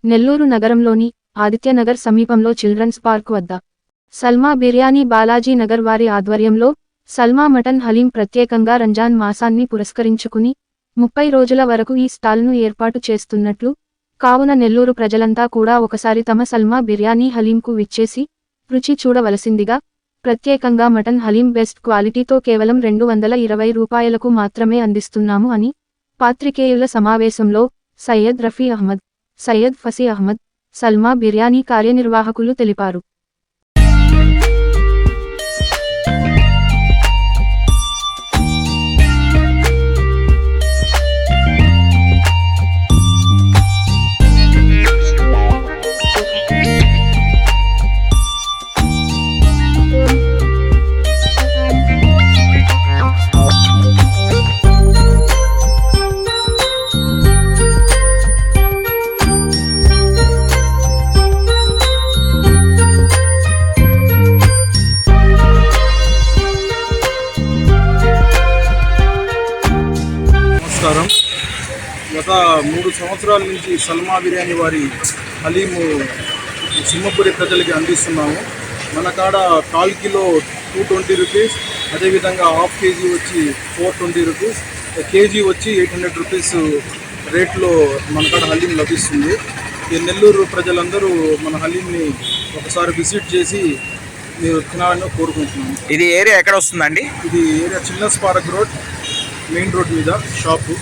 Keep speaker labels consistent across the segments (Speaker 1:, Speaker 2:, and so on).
Speaker 1: నెల్లూరు నగరంలోని ఆదిత్యనగర్ సమీపంలో children's park వద్ద సల్మా బిర్యానీ బాలాజీ నగర్ వారి ఆధ్వర్యంలో సల్మా మటన్ హలీం ప్రత్యేకంగా రంజాన్ మాసాన్ని పురస్కరించుకుని 30 రోజుల వరకు ఈ స్టాల్ను ఏర్పాటు చేస్తున్నట్లు, కావున నెల్లూరు ప్రజలంతా కూడా ఒకసారి తమ సల్మా బిర్యానీ హలీంకు విచ్చేసి రుచి చూడవలసిందిగా ప్రత్యేకంగా మటన్ హలీం బెస్ట్ క్వాలిటీతో కేవలం 220 రూపాయలకు మాత్రమే అందిస్తున్నాము అని పాత్రికేయుల సమావేశంలో సయ్యద్ రఫీ అహ్మద్, సయ్యద్ ఫసీ అహ్మద్, సల్మా బిర్యానీ కార్యనిర్వాహకులు తెలిపారు.
Speaker 2: గత 3 సంవత్సరాల నుంచి సల్మా బిర్యానీ వారి హలీము సింహపురి ప్రజలకి అందిస్తున్నాము. మన కాడ 1/4 కిలో 220 రూపీస్, అదేవిధంగా హాఫ్ కేజీ వచ్చి 420 రూపీస్, కేజీ వచ్చి 800 రూపీస్ రేట్లో మన కాడ హలీం లభిస్తుంది. ఈ నెల్లూరు ప్రజలందరూ మన హలీంని ఒకసారి విజిట్ చేసి మీరు తినాలని కోరుకుంటున్నాము.
Speaker 3: ఇది ఏరియా ఎక్కడ వస్తుందండి?
Speaker 2: ఇది area children's park road, main road మీద షాపు.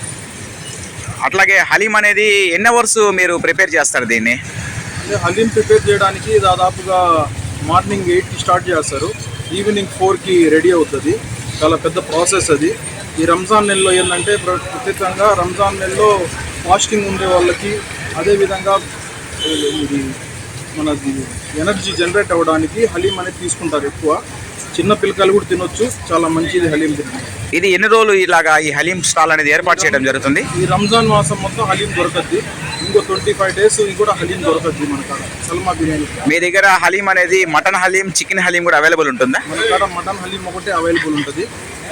Speaker 3: అట్లాగే హలీం అనేది ఎన్ని అవర్స్ మీరు ప్రిపేర్ చేస్తారు దీన్ని?
Speaker 2: హలీం ప్రిపేర్ చేయడానికి దాదాపుగా మార్నింగ్ 8కి స్టార్ట్ చేస్తారు, ఈవినింగ్ 4కి రెడీ అవుతుంది. చాలా పెద్ద ప్రాసెస్ అది. ఈ రంజాన్ నెలలో ఏంటంటే ప్రత్యేకంగా రంజాన్ నెలలో ఫాస్టింగ్ ఉండే వాళ్ళకి, అదేవిధంగా ఇది మనది ఎనర్జీ జనరేట్ అవ్వడానికి హలీం అనేది తీసుకుంటారు ఎక్కువ. చిన్న పిల్లకాయలు కూడా తినొచ్చు, చాలా మంచిది హలీం తినడం.
Speaker 3: ఇది ఎన్ని రోజులు ఇలాగా ఈ హలీం స్టాల్ అనేది ఏర్పాటు చేయడం జరుగుతుంది?
Speaker 2: ఈ రంజాన్ మాసం మొత్తం హలీం దొరకద్ది. ఇంకో 25 డేస్ కూడా హలీం దొరకద్ది మన కాడ సల్మా బిర్యానీ.
Speaker 3: మీ దగ్గర హలీం అనేది మటన్ హలీం, చికెన్ హలీం కూడా అవైలబుల్ ఉంటుందా?
Speaker 2: మన కాడ మటన్ హలీం ఒకటే అవైలబుల్ ఉంటుంది.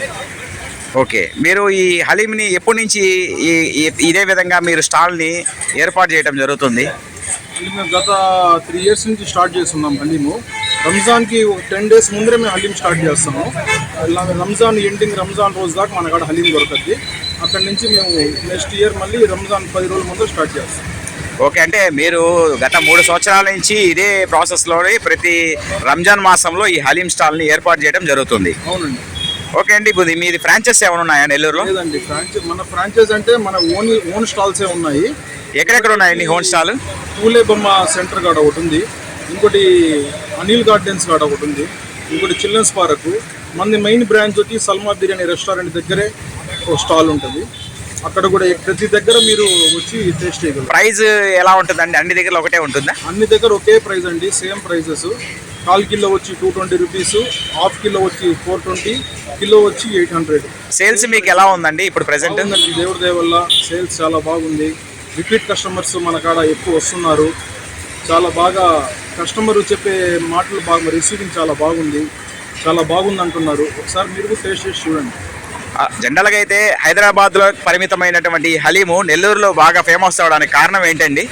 Speaker 3: ఓకే, మీరు ఈ హలీంని ఎప్పటి నుంచి ఇదే విధంగా మీరు స్టాల్ని ఏర్పాటు చేయడం జరుగుతుంది?
Speaker 2: మేము గత 3 ఇయర్స్ నుంచి స్టార్ట్ చేస్తున్నాం హలీము. రంజాన్కి 10 డేస్ ముందరే మేము హలీం స్టార్ట్ చేస్తాము. రంజాన్ ఎండింగ్, రంజాన్ రోజు దాకా మన కాడ హలీం దొరకద్ది. అక్కడి నుంచి మేము నెక్స్ట్ ఇయర్ మళ్ళీ రంజాన్ 10 రోజుల ముందు స్టార్ట్ చేస్తాం.
Speaker 3: ఓకే, అంటే మీరు గత 3 సంవత్సరాల నుంచి ఇదే ప్రాసెస్లోని ప్రతి రంజాన్ మాసంలో ఈ హలీం స్టాల్ని ఏర్పాటు చేయడం జరుగుతుంది.
Speaker 2: అవునండి.
Speaker 3: ఓకే అండి, ఇప్పుడు మీది ఫ్రాంచైజ్ ఏమైనా ఉన్నాయా నెల్లూరులో?
Speaker 2: లేదండి, మన ఫ్రాంచైజ్ అంటే మన ఓన్ స్టాల్సే ఉన్నాయి.
Speaker 3: ఎక్కడెక్కడ ఉన్నాయండి హోమ్ స్టాల్?
Speaker 2: పూలే బొమ్మ సెంటర్ కాడ ఒకటి ఉంది, ఇంకోటి అనిల్ గార్డెన్స్ కాడ ఒకటి ఉంది, ఇంకోటి చిల్డ్రన్స్ పార్క్. మన మెయిన్ బ్రాంచ్ వచ్చి సల్మా బిర్యానీ రెస్టారెంట్ దగ్గరే ఒక స్టాల్ ఉంటుంది. అక్కడ కూడా ప్రతి దగ్గర మీరు వచ్చి టేస్ట్ చేయగలరు.
Speaker 3: ప్రైస్ ఎలా ఉంటుందండి? అన్ని దగ్గర ఒకటే ఉంటుందా?
Speaker 2: అన్ని దగ్గర ఒకే ప్రైస్ అండి, సేమ్ ప్రైజెస్. 1/4 కిలో వచ్చి 220 రూపీస్, హాఫ్ కిలో వచ్చి 420, కిలో వచ్చి 800.
Speaker 3: సేల్స్ మీకు ఎలా ఉందండి ఇప్పుడు ప్రెసెంట్?
Speaker 2: దేవుడి దయ వల్ల సేల్స్ చాలా బాగుంది. రిపీట్ కస్టమర్స్ మన కాడ ఎక్కువ వస్తున్నారు. చాలా బాగా కస్టమర్ చెప్పే మాటలు బాగా, రిసీవింగ్ చాలా బాగుంది, చాలా బాగుంది అంటున్నారు. ఒకసారి మీరు కూడా టేస్ట్ చేసి చూడండి.
Speaker 3: జనరల్గా అయితే హైదరాబాద్లో పరిమితమైనటువంటి హలీము నెల్లూరులో బాగా ఫేమస్ అవడానికి కారణం ఏంటండి?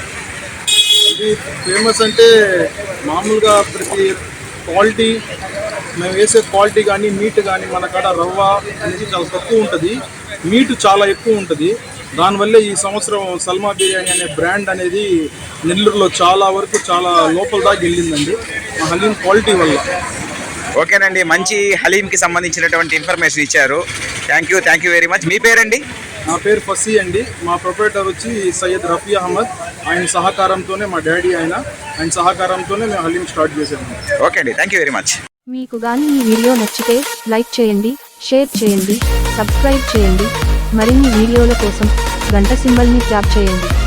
Speaker 2: ఇది ఫేమస్ అంటే మామూలుగా ప్రతి క్వాలిటీ, మేము వేసే క్వాలిటీ కానీ మీట్ కానీ మన కాడ రవ్వ అనేది చాలా తక్కువ ఉంటుంది, మీట్ చాలా ఎక్కువ ఉంటుంది. దానివల్లే ఈ సంవత్సరం సల్మా బిర్యానీ అనే బ్రాండ్ అనేది నెల్లూరులో చాలా వరకు చాలా లోపల దాకా వెళ్ళిందండి, ఆ హలీం క్వాలిటీ వల్ల.
Speaker 3: ఓకేనండి, మంచి హలీంకి సంబంధించినటువంటి ఇన్ఫర్మేషన్ ఇచ్చారు. Thank you very much. మీ పేరండి?
Speaker 2: నా పేరు ఫసీ అండి. మా ప్రొపరేటర్ వచ్చి సయ్యద్ రఫీ అహ్మద్. ఆయన సహకారంతోనే, మా డాడీ ఆయన సహకారంతోనే మేము హలీం స్టార్ట్ చేసాము.
Speaker 3: ఓకే అండి, థ్యాంక్ యూ వెరీ మచ్.
Speaker 1: మీకు కానీ ఈ వీడియో నచ్చితే లైక్ చేయండి, షేర్ చేయండి, సబ్స్క్రైబ్ చేయండి. మరిన్ని వీడియోల కోసం గంట సింబల్ని ట్యాప్ చేయండి.